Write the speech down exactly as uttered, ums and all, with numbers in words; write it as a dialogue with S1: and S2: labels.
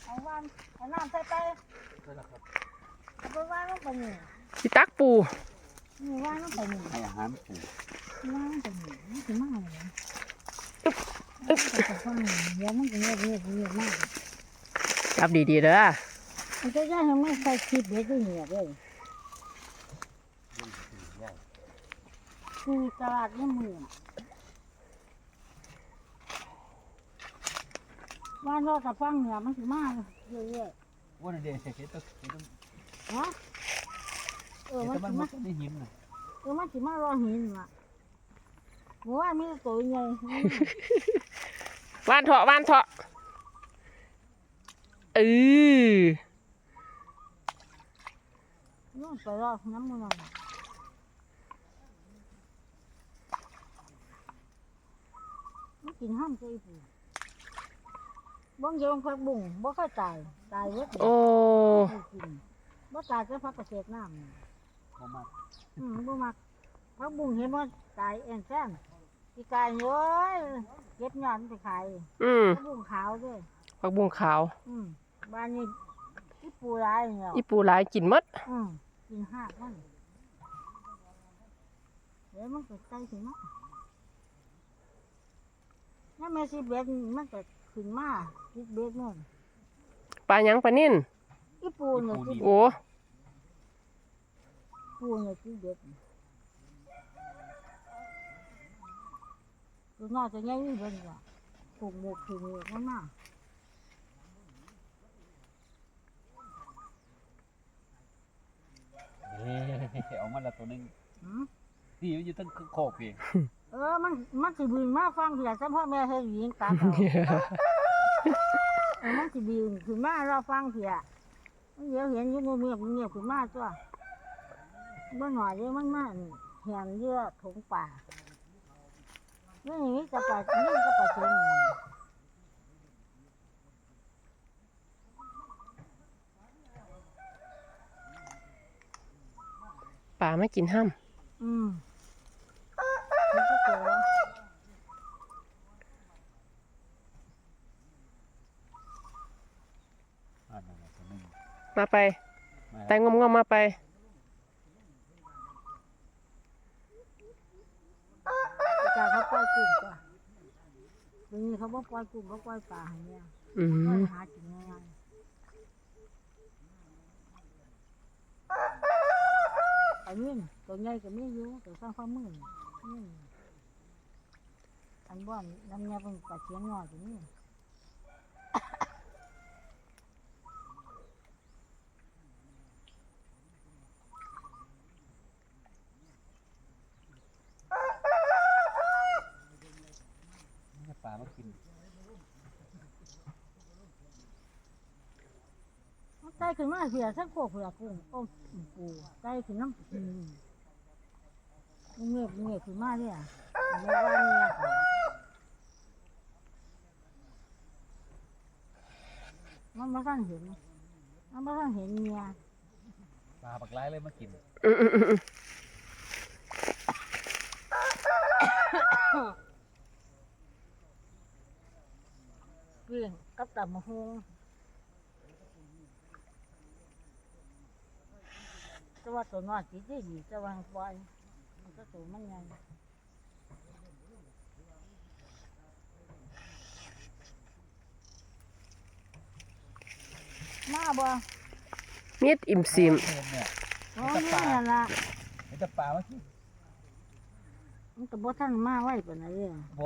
S1: เอาวานเอาน้ำใส่ไปเอาไปวานลงไปนี่
S2: สิตักปู
S1: นี่วานลงไปนี่
S3: ให้อาหารปู
S1: วานลงไปนี่มันสิมาเลย
S2: อึ๊บอึ๊บ
S1: แต่ฟังเดี๋ยวมันจะเงียบเงียบเงียบมาก
S2: จับดีๆเด้อ
S1: มันจะย่างให้มันใส่คลิปเด็กเงียบเลยคือตลาดนี่มือบ้านเราแต่ฟังเนี่ยมันสิมาเยอะ
S3: ว่าในเด็กเห็นตัวเห็นตัว
S1: ๆฮะเออ
S3: เห็น
S1: มัน
S3: ตัว
S1: สิ
S3: มัน
S1: มา
S3: มันไม่หิมนะ
S1: เออมันสิมารอหินอ่ะหมูว่ามีตัวใหญ่
S2: วานเถาะวานเถาะเออ
S1: นู่นไปรอน้ำมันมันกินห้ามใจปูบ้องเยงพักบุ้งบ่ค่อยตายตายเยอะ
S2: โอ้
S1: กินบ่ตายก็พักเกษตรน้ำ
S3: พอมา
S1: อืมบ่มักพักบุ้งเห็นว่าตายแอนแซนปีกายเยอะเก็บยอดไปขาย
S2: อืม
S1: พักบุ้งขาวด้วย
S2: ผักบุ้งขาว
S1: อืมบ้านนี้ที่ปูร้ายเนี่ย
S2: อีปูหลายกินหมด
S1: อืมกินหักมันเดี๋ยวมันก็ใกล้ถึงมั้งนี่แม่สิเบ็ดมันก็ขึ้นมาสิเบ็ดนู่น
S2: ปลาหยังปลานิ่น
S1: อีปูเนี่ยสิ
S2: โอ้
S1: ปูเนี่ยสิเบ็ดตัวนอกจะง่ายนี่เบิ่งว่าถูกหมกถูกหมกมันมา
S3: เฮ้ยออกมาแล้วตัวนึง
S1: หืม
S3: นี่อยู่ตั้งโคกเอง
S1: เออมันมันสิบินมาฟังเพียซะพ่อแม่เฮ็ดยิงตาเขาเออมันสิบินขึ้นมาเราฟังเพียมันเดี๋ยวเห็นอยู่เงียบๆเงียบขึ้นมาตัวบ่หน่อยเดี๋ยวมันมาเห็นเยอะถงป่านี่นี่จะปลานี่ก็ปลาเค็ม
S2: ปลาไม่กินห้าม
S1: อืมมันก็เจอ
S3: อ่านั่นแหละตัวนึง
S2: มาไป
S3: มา
S2: แต่งงมๆมาไป
S1: จากเขาปล่อยกุ้งก่อนทีนี้เขาบอกปล่อยกุ้งเขาปล่อยปลาอย่างเงี้ย
S2: อื
S1: ปล่อย
S2: ม
S1: หากินง่ายๆอันนี้ตัวใหญ่ก็ไม่อยู่ตัวสร้างความมือนี่อันบ้านน้ำเงี้ยเป็นปลาเชียงน้อยตัวนี้
S3: ปลามากิน
S1: ใต้ขึ้นมาเสียสักโคกเผือกกุ้งโอ้ปูใต้ขึ้นน้ำอืมเงียบเงียบขึ้นมาเนี่ยไม่ว่าเนี่ยค่ะมันไม่ทันเห็นมันไม่ทันเห็นเมีย
S3: ปลาปักไล่เลยมากิน
S2: อืมอืมอืม
S1: เกลี้ยงกับตับมะฮงแต่ว่าตัวน้อยติดได้ดีแต่ว่าปล่อยมันก็ตัวมันใหญ่มาบ่
S2: มีดอิ่มซิม
S3: เห็นเนี่ย
S1: โอ้ยนี่ล่ะ
S3: เห็นแต่ปลามากิน
S1: มันก็บ่ทันมาไว้ปานนั้นเด้อ